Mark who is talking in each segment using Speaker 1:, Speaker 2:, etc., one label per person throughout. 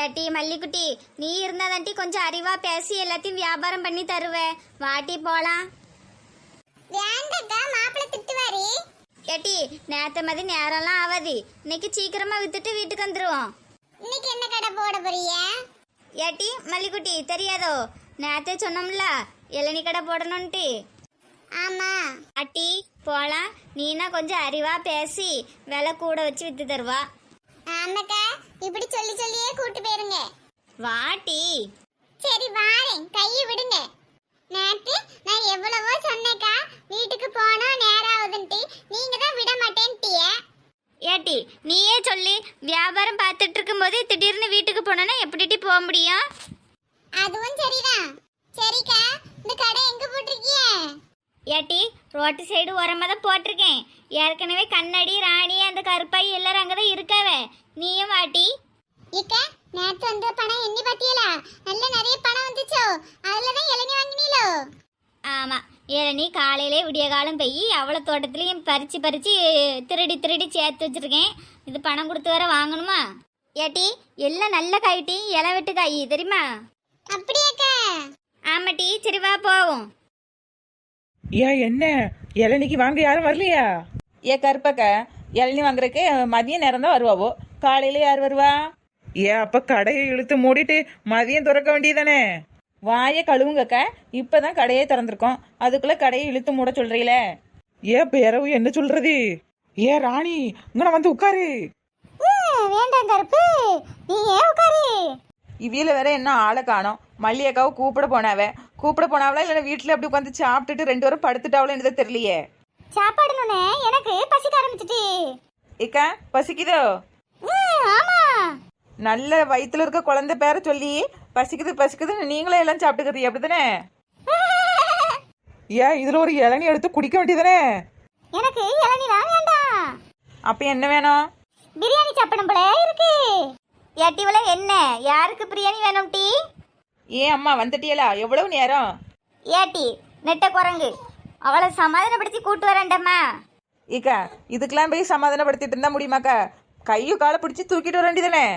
Speaker 1: ஏட்டி மல்லிக்குட்டி, நீ இருந்தாதான்ட்டி கொஞ்சம் அறிவா பேசி எல்லாத்தையும் வியாபாரம் பண்ணி தருவே. வாட்டி போலாம்.
Speaker 2: வேண்டக்கா, மாப்பிள்ளை திட்டுவாரு.
Speaker 1: ஏட்டி நேத்த மாதிரி நேரம்லாம் ஆகாது. இன்னைக்கு சீக்கிரமா வித்துட்டு வீட்டுக்கு வந்துருவோம்.
Speaker 2: இன்னைக்கு என்ன கடை போட போறீங்க?
Speaker 1: ஏட்டி மல்லிக்குட்டி, தெரியாதோ நேத்தே சொன்னோம்ல இளநீ கடை போடணும்ட்டு.
Speaker 2: ஆமா.
Speaker 1: அட்டி போலாம். நீனா கொஞ்சம் அறிவா பேசி விலை கூட வச்சு வித்து தருவா.
Speaker 2: ஆமாக்கா, இப்படி சொல்லி சொல்லியே கூட்டு போயிருங்க.
Speaker 1: வாட்டி.
Speaker 2: சரி வாரேன், கையை விடுங்க. நேத்து நான் எவ்வளவோ சொன்னேக்கா, வீட்டுக்கு போனா நேரம் ஆகுதுன்ட்டு. நீங்க தான் விட மாட்டேன்ட்டிய.
Speaker 1: ஏட்டி நீயே சொல்லி வியாபாரம் பார்த்துட்டு இருக்கும்போது திடீர்னு வீட்டுக்கு போனோன்னா எப்படிட்டி போக முடியும்?
Speaker 2: அதுவும் சரிதான். சரிக்கா, இந்த கடை எங்க போட்டிருக்கீங்க?
Speaker 1: ஏட்டி ரோட்டு சைடு ஓரமாக தான் போட்டிருக்கேன். ஏற்கனவே கண்ணாடி ராணி அந்த கருப்பாய் எல்லாரும் அங்கே தான் இருக்காவே. நீயும் வாட்டி.
Speaker 2: இக்கா, நேத்து வந்த பணம் எண்ணி பாத்தியலா? நல்ல நிறைய பணம் வந்துச்சோ, அதுலதான் இளநீ வாங்கினீங்களோ?
Speaker 1: ஆமாம், இளநீ காலையிலே விடிய காலம் போய் அவ்வளோ தோட்டத்துலேயும் பறித்து திருடி சேர்த்து வச்சுருக்கேன். இது பணம் கொடுத்து வேற வாங்கணுமா? ஏட்டி எல்லாம் நல்ல காய்ட்டி, இலை வெட்டு காய் தெரியுமா?
Speaker 2: அப்படியாக்கா?
Speaker 1: ஆமாட்டி, சரி வா போவோம்.
Speaker 3: ஏன் என்ன இளநிக்கு வாங்க யாரும் வரலையா? கருப்பக்க இளநி வாங்குறதுக்கு மதியம் நேரம் தான் வருவாவோ, காலையில யார் வருவா? அப்ப கடையை இழுத்து மூடிட்டு மதியம் திறக்க வேண்டியதானே? வாயை கழுவுங்கக்கா, இப்பதான் கடையே திறந்திருக்கோம், அதுக்குள்ள கடையை இழுத்து மூட சொல்றீங்களே. பேரவு என்ன சொல்றது? ராணி இங்க வந்து உட்காரு.
Speaker 2: வேண்டாம் கருப்பு, நீ ஏன் உட்காரு.
Speaker 3: இவியில வேற என்ன ஆளை காணோம். மல்லியக்காவை கூப்பிட போனாவளா இல்ல வீட்டுல அப்படி உட்காந்து சாப்பிட்டுட்டு 2 பேரும் படுத்துட்டாவளோ என்னது தெரியலையே.
Speaker 2: சாப்பாடுன்னு எனக்கு பசிக்க ஆரம்பிச்சிட்டு.
Speaker 3: இக்கா பசிக்குதோ?
Speaker 2: ஆமா.
Speaker 3: நல்ல வயிற்றுல இருக்க குழந்தை பேரை சொல்லி பசிக்குதுன்னு நீங்களே எல்லாம் சாப்பிட்டுக்கிறீ அப்படிதானே? இதுல ஒரு இளநீ எடுத்து குடிக்க வேண்டியதானே?
Speaker 2: எனக்கு இளநீ தான் வேண்டாம்.
Speaker 3: அப்ப என்ன வேணும்?
Speaker 2: பிரியாணி சாப்பிடும் போல இருக்கு.
Speaker 1: ஏட்டிவள என்ன யாருக்கு பிரியாணி வேணும் டீ?
Speaker 3: அம்மா வந்துட்டியலா? எவ்வளவு நேரம்?
Speaker 1: ஏட்டி நெட்ட குரங்கு, அவளை சமாதானப்படுத்தி கூட்டு வரேன்டம்மா.
Speaker 3: இக்கா இதுக்கெல்லாம் போய் சமாதானப்படுத்திட்டு இருந்தா முடியுமாக்கா? கையும் காலை பிடிச்சி தூக்கிட்டு வர வேண்டியதானே?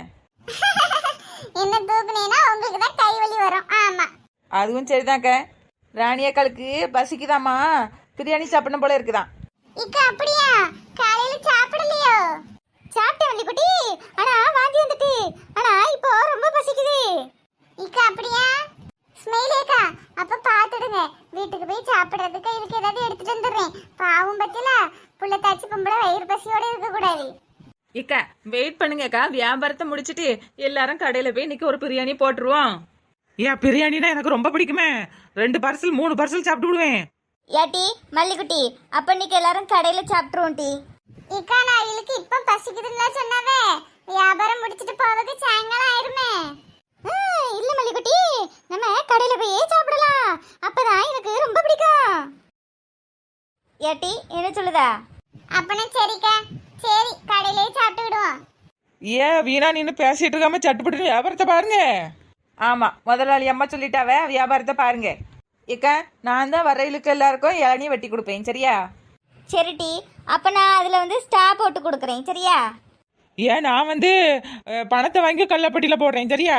Speaker 2: என்ன தூக்குனேனா உங்களுக்கு தான் கை வலி வரும். ஆமா,
Speaker 3: அதுவும் சரிதான்க்கா. ராணியக்காளுக்கு பசிக்குதாம்மா, பிரியாணி சாப்பிடணும் போல இருக்குதான்.
Speaker 2: இக்கா அப்படியா? காலையில சாப்பிடலையோ? சாப்பிட்டேன் வள்ளி குட்டி, ஆனா வாந்தி வந்துட்டு. ஆனா இப்போ ரொம்ப பசிக்குது. இக்கா அப்படியா? ஸ்மைலேக்கா, அப்ப பாத்துடுங்க, வீட்டுக்கு போய் சாப்பிடுறதுக்கு இதுக்கு ஏதாவது எடுத்துட்டு வந்துடுறேன். பாவம் பத்தில புள்ள தாச்சி பொம்பளை வயிறு பசியோட இருக்க கூடாது.
Speaker 3: இக்கா வெயிட் பண்ணுங்கக்கா, வியாபாரத்தை முடிச்சிட்டு எல்லாரும் கடையில போய் இன்னைக்கு ஒரு பிரியாணி போட்டுருவோம். பிரியாணினா எனக்கு ரொம்ப பிடிக்குமே. 2 பார்சல் 3 பார்சல் சாப்பிட்டு விடுவேன்.
Speaker 1: ஏட்டி மல்லிக்குட்டி, அப்ப இன்னைக்கு எல்லாரும் கடையில சாப்பிட்டுருவோம் டீ.
Speaker 2: இக்கா நான் இவளுக்கு இப்ப பசிக்குதுன்னு சொன்னாவே, வியாபாரம் முடிச்சிட்டு போவதுக்கு சாயங்காலம் ஆயிருமே. இல்ல மல்லிக்குட்டி, நம்ம கடையில போய் சாப்பிடலாம், அப்பதான் எனக்கு ரொம்ப பிடிக்கும்.
Speaker 1: ஏட்டி என்ன சொல்லுதா?
Speaker 2: அப்பனா சரிக்கா, சரி கடையிலே சாப்பிட்டு விடுவோம்.
Speaker 3: வீணா நின்று பேசிட்டு இருக்காம சட்டுப்பட்டு வியாபாரத்தை பாருங்க. ஆமா, முதலாளி அம்மா சொல்லிட்டாவே வியாபாரத்தை பாருங்க. இக்கா நான் தான் வரையிலுக்கு எல்லாருக்கும் இளநீ வெட்டி கொடுப்பேன், சரியா?
Speaker 1: சரி டீ, அப்ப நான் அதுல ஸ்டா போட்டு கொடுக்குறேன், சரியா?
Speaker 3: நான் பணத்தை வாங்கி கல்லப்பட்டியில போடுறேன், சரியா?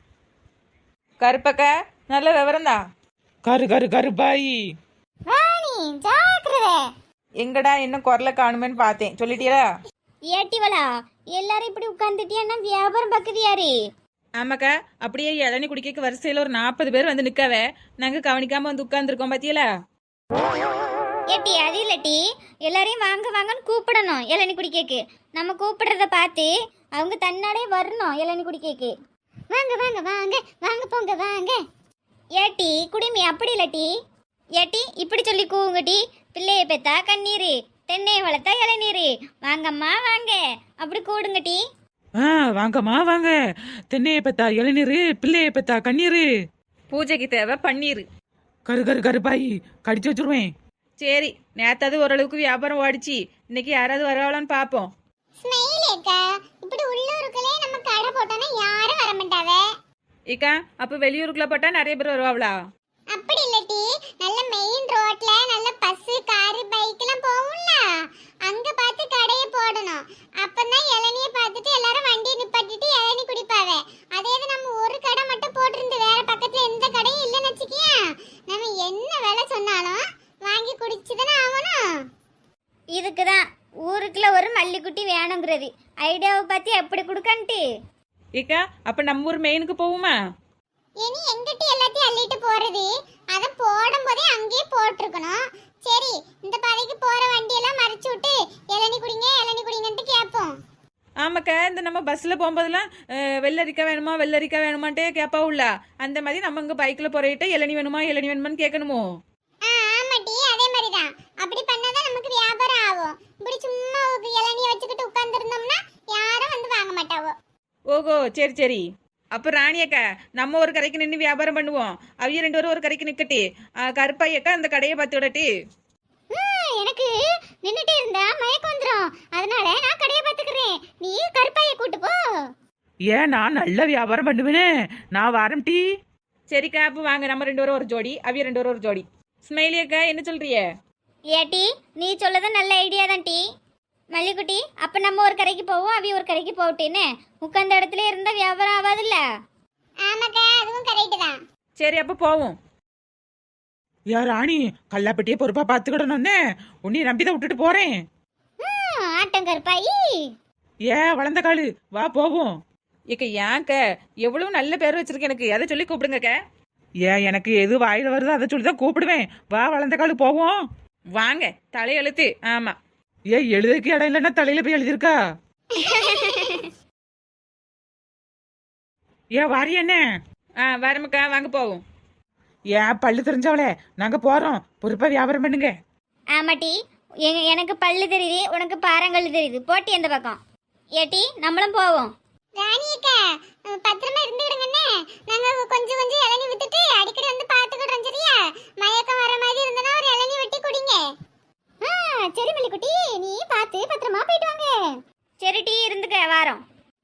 Speaker 3: கருப்பக்கா நல்ல விவரம் தான். கருப்பாயி
Speaker 2: ராணி ஜாக்கிரதை.
Speaker 3: எங்கடா இன்னும் குரலை காணுமேன்னு பார்த்தேன், சொல்லிட்டீங்களா?
Speaker 1: ஏட்டிவளா எல்லாரும் இப்படி உட்காந்துட்டியா? வியாபாரம் பக்குது யாரு?
Speaker 3: ஆமாக்கா, அப்படியே இளநீ குடிக்க வரிசையில் ஒரு 40 பேர் வந்து நிற்கவே நாங்கள் கவனிக்காம வந்து உட்காந்துருக்கோம், பாத்தியலா?
Speaker 1: ஏட்டி அது இல்லட்டி, எல்லாரையும் வாங்க வாங்கன்னு கூப்பிடணும் இளநீ குடிக்கக்கு. நம்ம கூப்பிடுறத பார்த்து அவங்க தன்னாலே வரணும் இளநீ குடிக்கக்கு.
Speaker 2: வாங்க வாங்க வாங்க வாங்க போங்க வாங்க.
Speaker 1: ஏட்டி குடிமி அப்படி இல்லட்டி. ஏட்டி இப்படி சொல்லி கூவுங்க டி. பிள்ளையை பெத்தா கண்ணீர், தென்னையை வளர்த்தா இளநீர், வாங்கம்மா வாங்க அப்படி கூடுங்க டி.
Speaker 3: வாங்கம்மா வாங்க, தென்னையை பெத்தா இளநீர், பிள்ளையை பெத்தா கண்ணீர், பூஜைக்கு தேவை பன்னீர். கருப்பாயி கடிச்சு வச்சிருவேன். சரி, நேத்தாது ஓரளவுக்கு வியாபாரம் ஓடிச்சு, இன்னைக்கு யாராவது வரவாளான்னு பார்ப்போம்.
Speaker 2: ஸ்மைலேக்கா, இப்படி உள்ளூருக்குள்ளே நம்ம கடை போட்டோன்னா யாரும் வர மாட்டாவே.
Speaker 3: இக்கா அப்ப வெளியூருக்குள்ள போட்டா நிறைய பேர் வருவாங்களா?
Speaker 2: அப்படி இல்லட்டி, நல்ல மெயின் ரோட்ல நல்ல பஸ் கார் பைக் எல்லாம் போகும்ல, அங்க பார்த்து கடையை போடணும். அப்பதான் இளநிய பார்த்துட்டு எல்லாரும் வண்டியை நிப்பாட்டிட்டு இளநீ குடிப்பாவே. அதே இது
Speaker 1: இதுக்கு தான் ஊருக்குள்ள ஒரு மல்லிக்குட்டி வேணுங்கிறது. ஐடியாவை பார்த்து எப்படி கொடுக்கன்ட்டு.
Speaker 3: ஏக்கா அப்ப நம்ம ஊர் மெயினுக்கு போவோமா?
Speaker 2: இனி எங்கிட்ட எல்லாத்தையும் அள்ளிட்டு போறது, அத போடும் போதே அங்கேயே போட்டிருக்கணும். சரி, இந்த பாதைக்கு போற வண்டியெல்லாம் மறைச்சு விட்டு இளநீ குடிங்க இளநீ குடிங்கன்ட்டு கேட்போம்.
Speaker 3: ஆமாக்கா, இந்த நம்ம பஸ்ல போகும்போதெல்லாம் வெள்ளரிக்கா வேணுமா வெள்ளரிக்கா வேணுமான்ட்டே கேட்பாவுல்ல, அந்த மாதிரி நம்ம இங்க பைக்ல போறேட்ட இளநீ வேணுமா இளநீ வேணுமான்னு கேட்கணுமோ?
Speaker 2: ஆமாட்டி, அதே மாதிரிதான். அப்படி பண்ணாதான் நமக்கு வியாபாரம் ஆகும். இப்படி சும்மா இளநீ வச்சுக்கிட்டு உட்கார்ந்துருந்தோம்னா யாரும் வந்து வாங்க மாட்டாவோ.
Speaker 3: ஓகோ, சரி சரி. அப்ப ராணியக்கா நம்ம ஒரு கடைக்கு நின்று வியாபாரம் பண்ணுவோம், அவிய 2 பேரும் ஒரு கடைக்கு நிக்கட்டி. கருப்பாயக்கா அந்த கடையை பார்த்து விடட்டி.
Speaker 2: எனக்கு நின்னுட்டே இருந்தா மயக்கம் வந்துரும். அதனால நான் கடையை பாத்துக்கிறேன், நீ கருப்பாயை கூட்டு போ.
Speaker 3: ஏன் நான் நல்ல வியாபாரம் பண்ணுவேனே, நான் வாரம் டீ. சரிக்கா, அப்போ வாங்க நம்ம 2 பேரும் ஒரு ஜோடி, அவிய 2 பேரும் ஒரு ஜோடி. ஸ்மைலி அக்கா என்ன சொல்றிய?
Speaker 1: ஏட்டி நீ சொல்லது நல்ல ஐடியா தான் டீ. மல்லிக்குட்டி, அப்ப நம்ம ஒரு கடைக்கு போவோம், அவி ஒரு கடைக்கு போகட்டேன்னு. உட்கார்ந்த இடத்துல இருந்தா வியாபாரம் ஆகாதுல்ல.
Speaker 2: ஆமாக்கா, அதுவும் கரெக்ட் தான்.
Speaker 3: சரி அப்ப போவோம். யா ராணி, கல்லாப்பட்டியே பொறுப்பா பாத்துக்கிடணும்னே, உன்னை நம்பிதான் விட்டுட்டு போறேன்.
Speaker 2: ஆட்டம் கருப்பாயி.
Speaker 3: வளர்ந்த காலு, வா போவோம். ஏக்க ஏன்க்க எவ்வளவு நல்ல பேர் வச்சிருக்கேன், எனக்கு எதை சொல்லி கூப்பிடுங்கக்க. எனக்கு எது வாயில வருதோ அதை சொல்லி தான் கூப்பிடுவேன். வா வளர்ந்த காலு போவோம். வாங்க, தலையெழுத்து. ஆமா, எழுதுக்கு இடம் இல்லைன்னா தலையில போய் எழுதிருக்கா. வாரி என்ன? வரமுக்கா, வாங்க போவோம். பல்லு தெரிஞ்சவளே, நாங்க போறோம், பொறுப்பா வியாபாரம் பண்ணுங்க.
Speaker 1: ஆமாட்டி, எனக்கு பல்லு தெரியுது, உனக்கு பாறங்கல் தெரியுது. போட்டி அந்த பக்கம். ஏட்டி நம்மளும் போவோம்.
Speaker 2: ராணியக்கா, பத்திரமா இருந்துடுங்கண்ணே. நாங்க கொஞ்சம் கொஞ்சம் இளநீ வித்துட்டு அடிக்கடி வந்து பாத்துக்கிடுறோம். சரியா? மயக்கம் வர மாதிரி இருந்தனா ஒரு இளநீ வெட்டி குடிங்க. சரி மல்லிக்குட்டி, நீ பார்த்து பத்திரமா போயிட்டு வாங்க.
Speaker 1: சரி டீ, இருந்துக்க வாரோம்.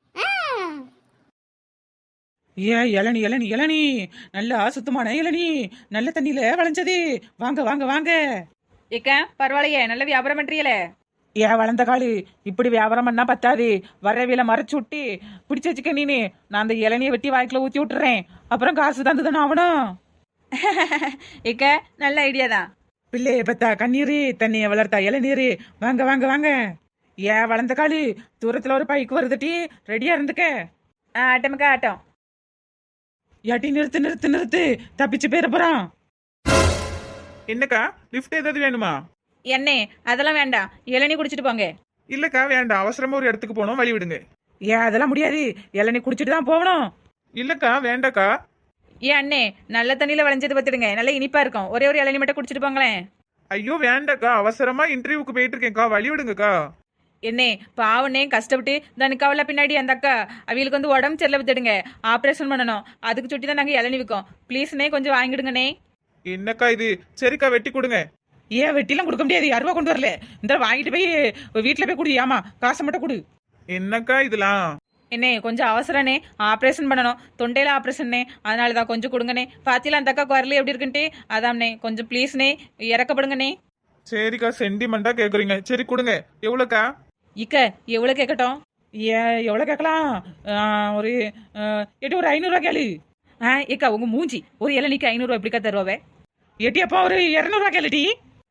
Speaker 3: இளநீ இளநீ இளநீ, நல்ல சுத்தமான இளநீ, நல்ல தண்ணியில விளைஞ்சது. வாங்க வாங்க வாங்க. ஏக்கா பரவாயில்லையே, நல்ல வியாபாரம் பண்றீங்களே. வளர்ந்த காலு, இப்படி வியாபாரம் பண்ணா பத்தாது. வரவில மறைச்சு விட்டு பிடிச்சு வச்சுக்க நீனு. நான் அந்த இளநியை வெட்டி வாய்க்குள்ள ஊத்தி விட்டுறேன், அப்புறம் காசு தந்துதானே ஆகணும். ஏக்கா நல்ல ஐடியா தான். பிள்ளைய பத்தா கண்ணீரு, தண்ணிய வளர்த்தா இளநீரு. வாங்க வாங்க வாங்க. வளர்ந்த காலு, தூரத்துல ஒரு பைக் வருதுட்டி, ரெடியா இருந்துக்க. ஆட்டமுக்கா ஆட்டம். யாட்டி நிறுத்து நிறுத்து நிறுத்து, தப்பிச்சு போயிட போறான்.
Speaker 4: என்னக்கா, லிஃப்ட் ஏதாவது வேணுமா?
Speaker 3: என்னே அதெல்லாம் வேண்டாம், இளநீ குடிச்சிட்டு போங்க.
Speaker 4: இல்லக்கா வேண்டாம், அவசரமா ஒரு இடத்துக்கு போனோம், வழி விடுங்க.
Speaker 3: அதெல்லாம் முடியாது, இளநீ குடிச்சிட்டு தான் போகணும்.
Speaker 4: இல்லக்கா வேண்டாக்கா.
Speaker 3: அண்ணே, நல்ல தண்ணியில விளைஞ்சது பத்துடுங்க, நல்ல இனிப்பா இருக்கும். ஒரே ஒரு இளநீ மட்டும் குடிச்சிட்டு போங்களேன்.
Speaker 4: ஐயோ வேண்டாக்கா, அவசரமா இன்டர்வியூக்கு போயிட்டு இருக்கேன்க்கா, வழி விடுங்கக்கா.
Speaker 3: என்னே பாவனே, கஷ்டப்பட்டு தனுக்காவில பின்னாடி அந்த அக்கா அவங்களுக்கு வந்து உடம்பு சரியில்லை வித்துடுங்க, ஆப்ரேஷன் பண்ணணும். அதுக்கு சுட்டி தான் நாங்கள் இளநீ விற்கோம். ப்ளீஸ்ண்ணே கொஞ்சம் வாங்கிடுங்கண்ணே.
Speaker 4: என்னக்கா இது? சரிக்கா வெட்டி கொடுங்க.
Speaker 3: வெட்டிலாம் கொடுக்க முடியாது, 2 கொண்டு வரல. இந்த வாங்கிட்டு போய் வீட்டில் போய் குடி. ஆமா, காசை மட்டும் கொடு.
Speaker 4: என்னக்கா இதெல்லாம்?
Speaker 3: என்னே கொஞ்சம் அவசரண்ணே, ஆப்ரேஷன் பண்ணணும், தொண்டையில ஆப்ரேஷன்னே, அதனால தான் கொஞ்சம் கொடுங்கண்ணே. பாத்தியில அந்த அக்கா குரல் எப்படி இருக்குன்ட்டு, அதாம்ண்ணே கொஞ்சம் ப்ளீஸ்ண்ணே இறக்கப்படுங்கண்ணே.
Speaker 4: சரிக்கா, சென்டிமெண்டா கேக்குறீங்க, சரி கொடுங்க. எவ்வளோக்கா?
Speaker 3: எவ்வளோ கேட்கட்டும்? எவ்வளோ கேட்கலாம்? ஒரு ஒரு 500 கேளு. உங்க மூஞ்சி, ஒரு இளநிக்கு 500 எப்படிக்கா தருவாவே? அப்பா ஒரு 200 கேளுடி.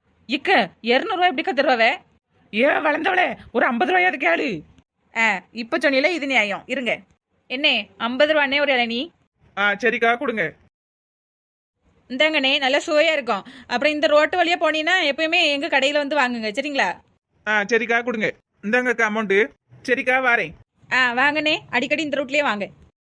Speaker 3: 200 எப்படிக்கா தருவாவே? வளர்ந்தவளே, ஒரு 50 ரூபாயாவது கேளு. இப்ப சொன்னீங்களே, இது நியாயம். இருங்க என்ன, 50 ரூபாண்ணே ஒரு இளநீ.
Speaker 4: சரிக்கா கொடுங்க.
Speaker 3: இந்தாங்கண்ணே, நல்லா சுவையா இருக்கும். அப்புறம் இந்த ரோட்டு வழியா போனீங்கன்னா எப்பயுமே எங்க கடையில வந்து வாங்குங்க, சரிங்களா?
Speaker 4: சரிக்கா கொடுங்க. இந்தாங்கக்கா அமௌண்ட்டு. சரிக்கா வாரேன்.
Speaker 3: வாங்கண்ணே, அடிக்கடி இந்த ரூட்லயே வாங்க.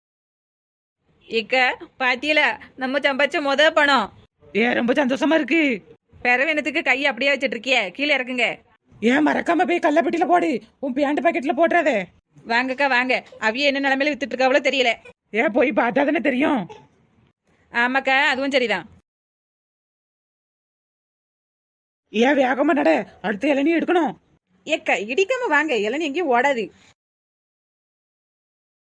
Speaker 3: பாத்தியல நம்ம சம்பாதிச்ச பணம். ரொம்ப சந்தோஷமா இருக்கு. பெறவேனத்துக்கு கை அப்படியே வச்சிட்டு இருக்கிய, கீழே இறக்குங்க. மறக்காம போய் கல்லப்பட்டியில போடு, உன் பேண்ட் பாக்கெட்ல போட்டுறாதே. வாங்கக்கா வாங்க, அவிய என்ன நிலைமையில வித்துட்டு இருக்காவளோ தெரியல. போய் பார்த்தா தானே தெரியும். ஆமாக்கா, அதுவும் சரிதான். வேகமா நட, அடுத்த இளநீ எடுக்கணும். இடிக்காம வாங்க, இளநீ எங்கேயும் ஓடாது.